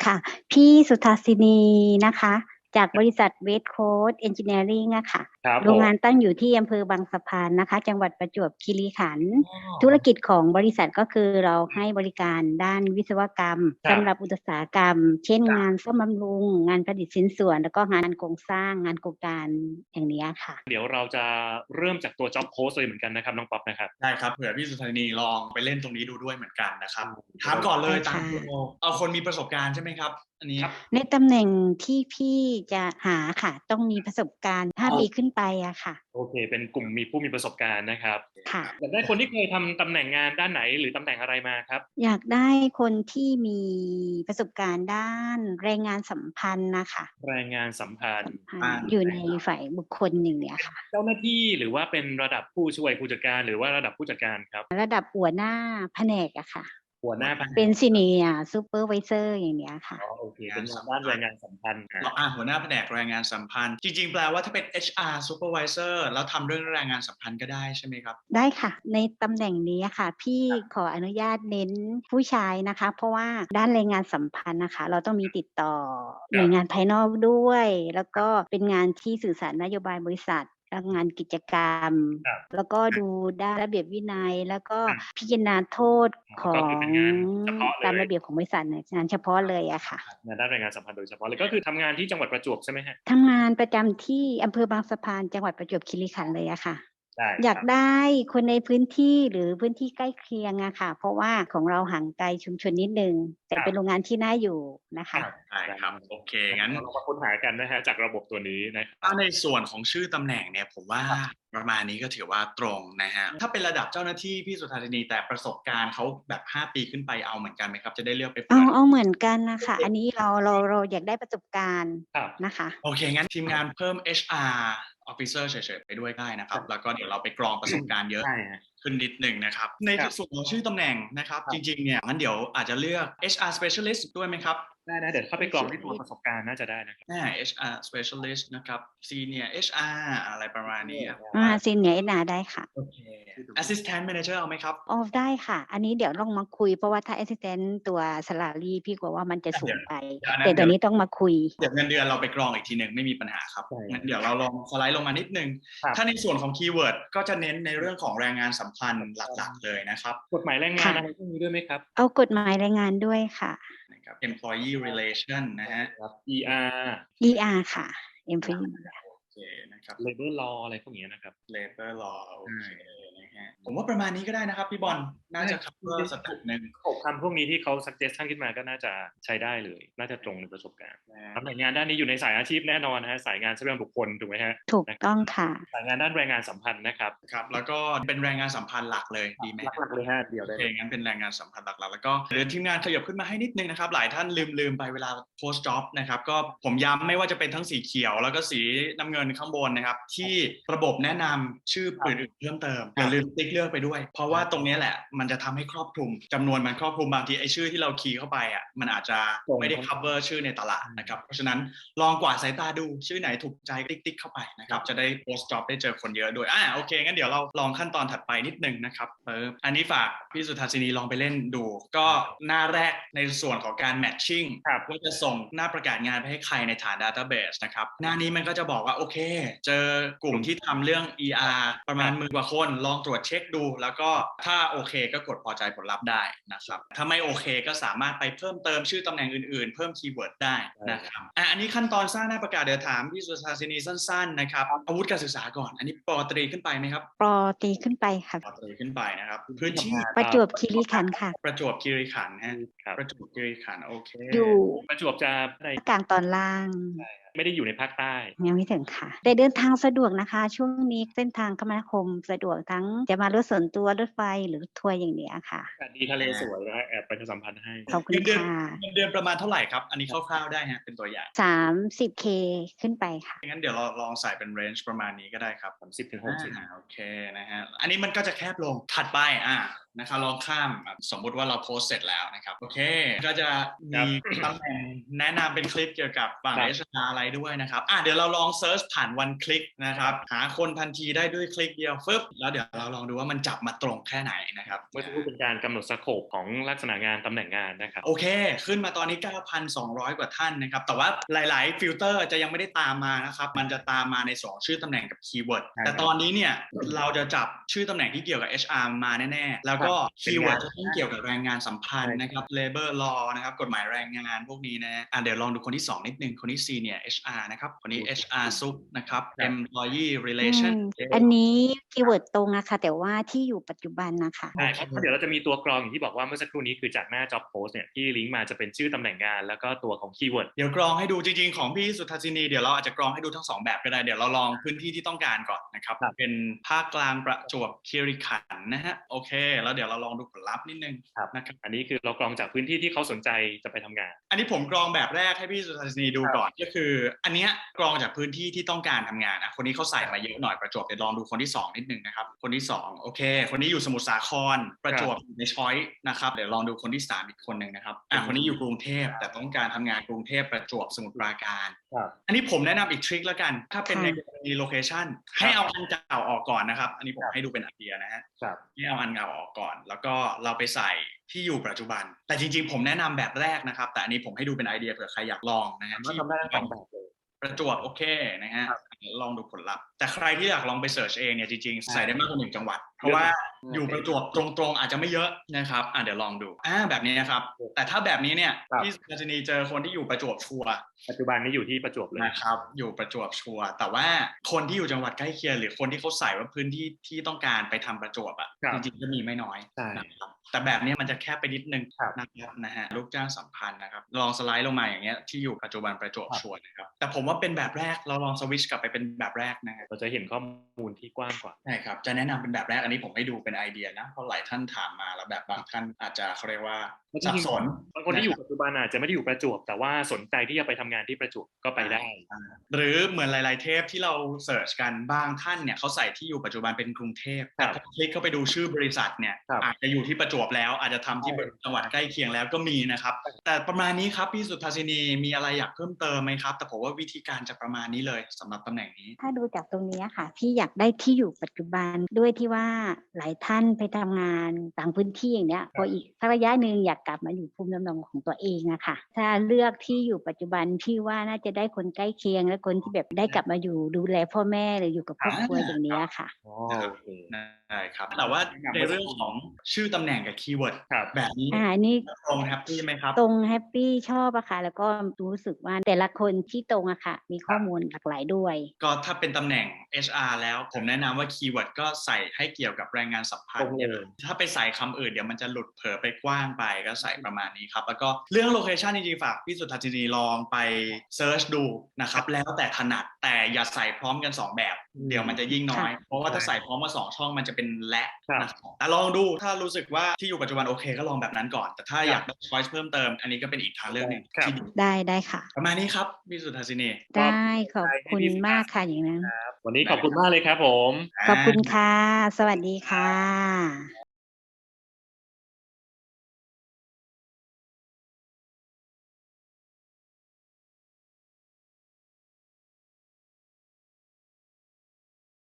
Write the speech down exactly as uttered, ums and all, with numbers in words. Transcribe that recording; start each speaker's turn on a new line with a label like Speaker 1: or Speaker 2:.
Speaker 1: ค่ะ พี่สุทาสินีนะคะ จากบริษัท West Coast Engineering อะค่ะ
Speaker 2: ครับ
Speaker 1: โรงงาน
Speaker 2: ผม
Speaker 1: ตั้งอยู่ที่อำเภอบางสะพานนะคะ จังหวัดประจวบคีรีขันธ์
Speaker 2: อ๋
Speaker 1: ธุร
Speaker 2: อ
Speaker 1: กิจของบริษัทก็คือเราให้บริการด้านวิศวกรรม
Speaker 2: คร
Speaker 1: สั
Speaker 2: บ
Speaker 1: ำหรับอุตสาหกรรม เช่น
Speaker 2: ครับ
Speaker 1: งานซ่อมบำรุง งานผลิตชิ้นส่วน แล้วก็งานโครงสร้าง งานโครงการ อย่างเนี้ยค่ะ
Speaker 2: เดี๋ยวเราจะเริ่มจากตัว Job Post เลยเหมือนกันนะครับน้องป๊อปนะครับ
Speaker 3: ได้ครับ เผื่อพี่สุทานีลองไปเล่นตรงนี้ดูด้วยเหมือนกันนะครับ
Speaker 2: อืม
Speaker 3: ถามก่อนเลย
Speaker 1: ได้
Speaker 3: ตาม
Speaker 1: ค่ะ
Speaker 3: โปร เอาคนมีประสบการณ์ใช่ไหมครับ อันนี้?
Speaker 2: ครับ
Speaker 1: ในตำแหน่งที่พี่จะหาค่ะ ต้องมีประสบการณ์ ห้า
Speaker 3: อ๋อ
Speaker 1: ปีขึ้นไปอะค่ะ
Speaker 2: โอเค เป็นกลุ่มมีผู้มีประสบการณ์นะครับ
Speaker 1: ค่ะ
Speaker 2: อยากได้คนที่เคยทำตำแหน่งงานด้านไหน หรือตำแหน่งอะไรมาครับ?
Speaker 1: อยากได้คนที่มีประสบการณ์ด้านแรงงานสัมพันธ์น่ะค่ะ
Speaker 2: แรงงานสัมพัน
Speaker 1: สั
Speaker 2: ธ์
Speaker 1: มพัน
Speaker 3: อ
Speaker 1: ธ
Speaker 3: า
Speaker 1: ์ อยู่
Speaker 3: ได
Speaker 1: ใ
Speaker 3: ้
Speaker 1: น
Speaker 3: ครับ
Speaker 1: ฝ่ายบุคคล อย่างเนี้ยค่ะ
Speaker 2: เจ้าหน้าที่ หรือว่าเป็นระดับผู้ช่วยผู้จัดการ หรือว่าระดับผู้จัดการครับ?
Speaker 1: ระดับหัวหน้าแผนกอะค่ะ
Speaker 2: หัวหน้าแผน
Speaker 1: เป็น
Speaker 2: ก
Speaker 1: Senior Supervisor อย่างเนี้ยค่ะ
Speaker 2: อ๋อ โอเค
Speaker 3: ง
Speaker 2: เป็
Speaker 3: านส
Speaker 2: นงานั
Speaker 3: ม
Speaker 2: ด้าน
Speaker 3: พ
Speaker 2: แรั
Speaker 3: นธ์
Speaker 2: งงานสัมพันธ์ อา
Speaker 3: อา หัวหน้าแผนกแรงงานสัมพันธ์ จริง ๆ แปลว่าถ้าเป็น เอช อาร์ Supervisor แล้วทำเรื่องแรงงานสัมพันธ์ก็ได้ใช่ไหมครับ?
Speaker 1: ได้ค่ะ ในตำแหน่งนี้อะค่ะ พี่
Speaker 3: ครับ
Speaker 1: ขออนุญาตเน้นผู้ชายนะคะ เพราะว่าด้านแรงงานสัมพันธ์น่ะค่ะ เราต้องมีติดต่อหน่วยงานภายนอกด้วย แล้วก็เป็นงานที่สื่อสารนโยบายบริษัท แล้วงานกิจกรรม
Speaker 2: ครับ
Speaker 1: แล้วก็ดูด้านระเบียบวินัย แล้วก็
Speaker 2: อืม
Speaker 1: พิจารณาโทษ
Speaker 2: อ๋อ
Speaker 1: ขอ
Speaker 2: ก็คือเป็
Speaker 1: ง
Speaker 2: นงานเฉพาะเล
Speaker 1: ตาม
Speaker 2: ย
Speaker 1: ระเบียบของบริษัทเนี่ย งานเฉพาะเลยอะค่ะ
Speaker 2: งานด้านแรงงานสัมพันธ์โดยเฉพาะเลย ก็คือทำงานที่จังหวัดประจวบใช่ไหมครับ?
Speaker 1: ทำงานประจำที่อำเภอบางสะพาน จังหวัดประจวบคีรีขันธ์เลยอะค่ะ
Speaker 2: ได้
Speaker 1: อยา
Speaker 2: ครับ
Speaker 1: กได้คนในพื้นที่ หรือพื้นที่ใกล้เคียงอะค่ะ เพราะว่าของเราห่างไกลชุมชนนิดหนึ่ง แต่
Speaker 2: คร
Speaker 1: เ
Speaker 2: ับ
Speaker 1: เป็นโรงงานที่น่าอยู่นะค
Speaker 2: คร
Speaker 1: ะ
Speaker 2: ับ
Speaker 3: ได้
Speaker 2: ได้
Speaker 3: ครับ โอเค
Speaker 2: งั้น
Speaker 3: งั้น
Speaker 2: เราลองมาค้นหากันนะครับ จากระบบตัวนี้นะค
Speaker 3: ถ้
Speaker 2: รั
Speaker 3: า
Speaker 2: บ
Speaker 3: ในส่วนของชื่อตำแหน่งเนี่ย ผมว่า
Speaker 2: ครับ
Speaker 3: ประมาณนี้ก็ถือว่าตรงนะครับ ถ้าเป็นระดับเจ้าหน้าที่พี่สุทาสินี แต่ประสบการณ์เขาแบบ ห้า ปีขึ้นไป เอาเหมือนกันไหมครับ? จะได้เลือกไป
Speaker 1: เ
Speaker 3: เ
Speaker 1: อ
Speaker 3: ปิ
Speaker 1: า
Speaker 3: ด
Speaker 1: เอาเหมือนกันน่ะค่ะ อันนี้เรา เรา เราอยากได้ประสบการณ์
Speaker 2: ครับ
Speaker 1: นะคะ
Speaker 3: โอเค งั้นทีมงานเพิ่ม เอช อาร์ Officer เฉย ๆ ไปด้วยได้นะค
Speaker 2: ค
Speaker 3: ร
Speaker 2: รัั
Speaker 3: บ
Speaker 2: บ
Speaker 3: แล้วก็เดี๋ยวเราไปกรองประสบการณ์เยอ
Speaker 2: ใ
Speaker 3: ะ
Speaker 2: ช่ครับ
Speaker 3: ขึ้นนิดหนึ่งนะครับ ใน
Speaker 2: ครับ
Speaker 3: ส่วนของชื่อตำแหน่งนะครับ
Speaker 2: คร
Speaker 3: จั
Speaker 2: บ
Speaker 3: ริง ๆ เนี่ย งั้นเดี๋ยวอาจจะเลือก เอช อาร์ Specialist ด้วยไหมครับ?
Speaker 2: ได้ ๆ เดี๋ยวเข้าไปกรองที่ตัวป
Speaker 1: Specialist
Speaker 2: ระสบการณ์น่าจะได้นะครับ
Speaker 3: อา เอช อาร์ Specialist นะครับ Senior เอช อาร์ อะไรประมาณนี้ครับ
Speaker 1: อา Senior เอช อาร์ ได้ค่ะ
Speaker 3: โอเค Assistant Manager เอาไหมครับ?
Speaker 1: อ๋อ ได้ค่ะ อันนี้เดี๋ยวต้องมาคุย เพราะว่าถ้า Assistant ตัว Salary พี่กลัวว่ามันจะ
Speaker 3: อา
Speaker 1: ส
Speaker 3: เ
Speaker 1: ู
Speaker 3: ดี๋ยว
Speaker 1: งไป
Speaker 3: เดี๋ยวอัน
Speaker 1: แ
Speaker 3: น
Speaker 1: ตั่
Speaker 3: นเ
Speaker 1: ต
Speaker 3: ดี๋ยว
Speaker 1: อนนี้ต้องมาคุย
Speaker 3: เดี๋ยวเงินเดือนเราไปกรองอีกทีหนึ่ง ไม่มีปัญหาครับ
Speaker 2: ใช่
Speaker 3: งั้นเดี๋ยวเราลองสไลด์ลงมานิดหนึ่ง
Speaker 2: ครับ
Speaker 3: ถ้าในส่วนของคีย์เวิร์ดก็จะเน้นในเรื่องของแรงงานสัมพันธ์หลัก ๆ เลยนะครับ
Speaker 2: กฎหมายแรงง
Speaker 1: ค
Speaker 2: าน่
Speaker 1: ะ
Speaker 2: อะไรพวกนี้ด้วยไหมครับ?
Speaker 1: เอากฎหมายแรงงานด้วยค่ะ
Speaker 3: นะครับ Employee Relation นะครั
Speaker 2: ใ
Speaker 3: บ
Speaker 2: ช่ครับ อี อาร์
Speaker 1: อี อาร์ ค่ะ Employee
Speaker 3: โอเคนะครับ
Speaker 2: Labor Law อะไรพวกนี้นะครับ
Speaker 3: Labor Law โอ
Speaker 2: ใช่
Speaker 3: เคนะครับ ผมว่าประมาณนี้ก็ได้นะครับพี่บอล น่าจะ คัฟเวอร์ สเต็ปหนึ่ง
Speaker 2: หก คำพวกนี้ที่เขา suggestion ขึ้นมาก็น่าจะใช้ได้เลย น่าจะตรงในประสบการณ์
Speaker 3: นะ
Speaker 2: ตำแหน่งงานด้านนี้อยู่ในสายอาชีพแน่นอนนะครับ สายงานทรัพยากรบุคคลถูกไหมครับ?
Speaker 1: ถูกต้องค่ะ
Speaker 2: สายงานด้านแรงงานสัมพันธ์นะครับ
Speaker 3: ครับ แล้วก็เป็นแรงงานสัมพันธ์หลักเลยดีไหมครับ?
Speaker 2: หลัก ๆ เลยครับ เดี๋ยว
Speaker 3: โอ
Speaker 2: ได้
Speaker 3: เค
Speaker 2: เลย
Speaker 3: งั้นเป็นแรงงานสัมพันธ์หลัก ๆ แล้วก็เดี๋ยวทีมงานขยับขึ้นมาให้นิดหนึ่งนะครับ หลายท่านลืม ๆ ไปเวลาโพสต์จ็อบนะครับ ก็ผมย้ำไม่ว่าจะเป็นทั้งสีเขียว แล้วก็สีน้ำเงินข้างบนนะครับ ที่ระบบแนะนำชื่ออื่น ๆ เพิ่มเติม อย่าลืมติ๊กเลือกไปด้วย เพราะว่าตรงเนี้ยแหละมันจะทำให้ครอบคลุม จำนวนมันครอบคลุม บางทีไอ้ชื่อที่เราคีย์เข้าไปอะ มันอาจจะไม่ได้ คัฟเวอร์ ชื่อในตลาดนะครับ เพราะฉะนั้นลองกวาดสายตาดูชื่อไหนถูกใจติ๊ก ๆ เข้าไปนะครับ จะได้โพสต์จ็อบได้เจอคนเยอะด้วย อา โอเค งั้นเดี๋ยวเราลองขั้นตอนถัดไปนิดหนึ่งนะครับ ปึ๊บ อันนี้ฝากพี่สุทาสินีลองไปเล่นดู ก็หน้าแรกในส่วนของการ matching
Speaker 2: ครับ
Speaker 3: ว่าจะส่งหน้าประกาศงานไปให้ใครในฐาน Database นะครับ หน้านี้มันก็จะบอกว่า โอเค เจอกลุ่มที่ทำเรื่อง อี อาร์ ประมาณ หมื่น กว่าคน ลองตรวจเช็กดู แล้วก็ถ้าโอเคก็กดพอใจผลลัพธ์ได้นะครับ ถ้าไม่โอเคก็สามารถไปเพิ่มเติมชื่อตำแหน่งอื่น ๆ เพิ่มคีย์เวิร์ดได้นะครับ อา อันนี้ขั้นตอนสร้างหน้าประกาศ เดี๋ยวถามพี่สุทาสินีสั้น ๆ นะครับ อาวุธการศึกษาก่อน อันนี้ ป. ตรีขึ้นไปไหมครับ?
Speaker 1: ป. ตรีขึ้นไปค่ะ
Speaker 3: ป. ตรีขึ้นไปนะครับ พื้นที่
Speaker 1: ประจวบคีรีขันธ์ค่ะ
Speaker 3: ประจวบคีรีขันธ์ครับ
Speaker 2: ครับ
Speaker 3: ประจวบคีรีขันธ์ โอเค
Speaker 1: อยู่
Speaker 2: ประจวบจะใน
Speaker 1: ภาคกลางตอนล่าง
Speaker 2: ใช่ครับ ไม่ได้อยู่ในภาคใต้
Speaker 1: ยังไม่ถึงค่ะ แต่เดินทางสะดวกนะคะ ช่วงนี้เส้นทางคมนาคมสะดวก ทั้งจะมารถส่วนตัว รถไฟ หรือรถทัวร์อย่างเนี้ยค่ะ
Speaker 2: อากาศดี ทะเลสวยนะครับ แอบประชาสัมพันธ์ให้
Speaker 1: ขอบคุ
Speaker 3: เงิ
Speaker 1: ณ
Speaker 3: นเดือ
Speaker 1: ค
Speaker 3: น
Speaker 1: ่ะ
Speaker 3: เงินเดือนประมาณเท่าไรครับ? อันนี้คร่าว ๆ ได้ครับ เป็นตัวอย่าง
Speaker 1: สามสิบเค ขึ้นไปค่ะ
Speaker 3: งั้นเดี๋ยวเราลองใส่เป็น เรนจ์ ประมาณนี้ก็ได้ครับ
Speaker 2: สามสิบถึงหกสิบ
Speaker 3: อา โอเคนะครับ อันนี้มันก็จะแคบลง ถัดไป อา นะครับ ลองข้าม สมมุติว่าเราโพสต์เสร็จแล้วนะครับ โอเค ก็จะมี ตำแหน่งแนะนำเป็นคลิปเกี่ยวกับฝั่ง
Speaker 2: ครับ
Speaker 3: เอช อาร์ อะไรต์ด้วยนะครับอ่ะเดี๋ยวเราลองเซิร์ชผ่านวันคลิกนะครับหาคนทันทีได้ด้วยคลิกเดียวฟึบแล้วเดี๋ยวเราลองดูว่ามันจับมาตรงแค่ไหนนะครับ
Speaker 2: เมื่อสักครู่เป็นการกำหนดสโคปของลักษณะงานตำแหน่งงานนะครับ
Speaker 3: โอเคขึ้นมาตอนนี้ เก้าพันสองร้อย กว่าท่านนะครับแต่ว่าหลายๆฟิลเตอร์จะยังไม่ได้ตามมานะครับมันจะตามมาในสองชื่อตำแหน่งกับคีย์เวิร์ดแต่ตอนนี้เนี่ยเราจะจับชื่อตำแหน่งที่เกี่ยวกับ เอช อาร์ มาแน่ๆแล้วก็คีย์เวิร์ดจะต้องเกี่ยวกับแรงงานสัมพันธ์นะครับ labor law นะครับกฎหมายแรงงานพวกนี้นะอ่ะเดี๋ยวลองดูคนที่สองนิดนึงคนที่ senior เอช อาร์ นะครับคนนี้ เอช อาร์ ซุปนะครับ employee
Speaker 1: อื
Speaker 3: relation
Speaker 1: มอันนี้คีย์เวิร์ดตรงนะคะแต่ว่าที่อยู่ปัจจุบันนะคะ
Speaker 2: ใช่ครับเพราะเดี๋ยวเราจะมีตัวกรองอย่างที่บอกว่าเมื่อสักครู่นี้คือจากหน้า job post เนี่ยที่ลิงก์มาจะเป็นชื่อตำแหน่งงานแล้วก็ตัวของคีย์เวิร์ด
Speaker 3: เดี๋ยวกรองให้ดูจริงๆของพี่สุทธัศนีเดี๋ยวเราอาจจะกรองให้ดูทั้งสองแบบก็ได้เดี๋ยวเราลองพื้นที่ที่ต้องการก่อนนะครับเป็นภาคกลางประจวบคีรีขันธ์นะฮะโอเคแล้วเดี๋ยวเราลองดูผลลัพธ์นิดนึงนะครับ
Speaker 2: อันนี้คือเรากรองจากพื้นที่ที่เขาสนใจจะไปทำงาน
Speaker 3: อันนี้ผมกรองแบบแรกให้พี่สุทธัศนีดูก่อนก็คืออันเนี้ยกรองจากพื้นที่ที่ต้องการทำงานอ่ะคนนี้เขาใส่มาเยอะหน่อยประจวบเดี๋ยวลองดูคนที่สองนิดนึงนะครับคนที่สองโอเคคนนี้อยู่สมุทรสาครประจวบในช้อยนะครับเดี๋ยวลองดูคนที่สามอีกคนนึงนะครับอ่ะคนนี้อยู่กรุงเทพแต่ต้องการทำงานกรุงเทพประจวบสมุทรปราการอันนี้ผมแนะนำอีกทริคแล้วกันถ้าเป็นในกรณีโลเคชันให้เอาอันเก่าออกก่อนนะครับอันนี้ผมให้ดูเป็นไอเดียนะฮะให้เอาอันเก่าออกก่อนแล้วก็เราไปใส่ที่อยู่ปัจจุบันแต่จริงๆผมแนะนำแบบแรกนะครับแต่อันนี้ผมให้ดูเป็นไอเดียเผื่อใครอยากลองนะฮะที่ประจวบโอเคนะฮะลองดูผลลัพธ์แต่ใครที่อยากลองไปเสิร์ชเองเนี่ยจริงๆใส่ได้มากกว่าหนึ่งจังหวัดเพราะว่าอยู่ประจวบตรงๆอาจจะไม่เยอะนะครับอ่ะเดี๋ยวลองดูอ่าแบบนี้นะครับแต่ถ้าแบบนี้เนี่ยพี่สุทธัศนีเจอคนที่อยู่ประจวบชัวร์
Speaker 2: ปัจจุบันนี้อยู่ที่ประจวบเลย
Speaker 3: นะครับอยู่ประจวบชัวร์แต่ว่าคนที่อยู่จังหวัดใกล้เคียงหรือคนที่เขาใส่ว่าพื้นที่ที่ต้องการไปทำประจวบอ่ะจริงๆก็มีไม่น้อยนะครับแต่แบบนี้มันจะแคบไปนิดนึงนะครับนะฮะลูกจ้างสัมพันธ์นะครับลองสไลด์ลงมาอย่างเงี้ยที่อยู่ปัจจุบันประจวบชัวร์นะครับแต่ผมว่าเป็นแบบแรกเราลองสวิตช์กลับไปเป็นแบบแรกนะ
Speaker 2: เราจะเห็นข้อมูลที่กว้างกว่า
Speaker 3: ใช่ครับจะแนะนำเป็นแบบแรกอันนี้ผมให้ดูเป็นไอเดียนะเพราะหลายท่านถามมาแล้วแบบบางท่านอาจจะเขาเรียกว่าสับสน
Speaker 2: บางคนที่อยู่ปัจจุบันอาจจะไม่ได้อยู่ประจวบแต่ว่าสนใจที่จะไปทำงานที่ประจวบก็ไปได้
Speaker 3: หรือเหมือนหลายๆเทปที่เราเสิร์ชกันบางท่านเนี่ยเขาใส่ที่อยู่ปัจจุบันเป็นกรุงเทพแต่พอคลิกเข้าไปดูชื่อบริษัทเนี่ยอาจจะอยู่ที่ประจวบแล้วอาจจะทำที่จังหวัดใกล้เคียงแล้วก็มีนะครับแต่ประมาณนี้ครับพี่สุทธัศนีมีอะไรอยากเพิ่มเติมไหมครับแต่ผมว่าวิธีการจะประมาณนี้เลยสำหรับตำแหน่งนี้
Speaker 1: ถ้าดูจากตรงนี้ค่ะพี่อยากได้ที่อยู่ปัจจุบันด้วยที่ว่าหลายท่านไปทำงานต่างพื้นที่อย่างเนี้ยพออีกสักระยะหนึ่งอยากกลับมาอยู่ภูมิลำเนาของตัวเองอะค่ะถ้าเลือกที่อยู่ปัจจุบันพี่ว่าน่าจะได้คนใกล้เคียงและคนที่แบบได้กลับมาอยู่ดูแลพ่อแม่หรืออยู่กับครอบครัวอย่างนี้ค่ะ
Speaker 2: อ๋อโอเค
Speaker 3: ได้ครับแต่ว่าในเรื่องของชื่อตำแหน่งกับคีย์เวิร์ดแบบนี้
Speaker 1: อ่านี่
Speaker 3: ตรงแฮปปี้ไหมครับ
Speaker 1: ตรงแฮปปี้ชอบอะค่ะแล้วก็รู้สึกว่าแต่ละคนที่ตรงอะค่ะมีข้อมูลหลากหลายด้วย
Speaker 3: ก็ถ้าเป็นตำแหน่ง เอช อาร์ แล้วผมแนะนำว่าคีย์เวิร์ดก็ใส่ให้เกี่ยวกับแรงงานสัมพันธ์ถ้าไปใส่คำอื่นเดี๋ยวมันจะหลุดเผลอไปกว้างไปก็ใส่ประมาณนี้ครับแล้วก็เรื่องโลเคชันจริงๆฝากพี่สุทธัศนีลองไปเซิร์ชดูนะครับแล้วแต่ถนัดแต่อย่าใส่พร้อมกันสองแบบเดี๋ยวมันจะยิ่งน้อยเพราะว่าถ้าใส่พร้อมมาสองช่องมันจะเป็นและนะครับแต่ลองดูถ้ารู้สึกว่าที่อยู่ปัจจุบันโอเคก็ลองแบบนั้นก่อนแต่ถ้าอยากได้ช้อยส์เพิ่มเติมอันนี้ก็เป็นอีกทางเลือกหนึ่งที่
Speaker 1: ได้ได้ค่ะ
Speaker 3: ประมาณนี้ครับพี่สุทธัศนี
Speaker 1: ได้ขอบคุณมากค่ะอย่างนั้น
Speaker 2: วันนี้ขอบคุณมากเลยครับผม
Speaker 1: ขอบคุณค่ะสวัสดีค่ะ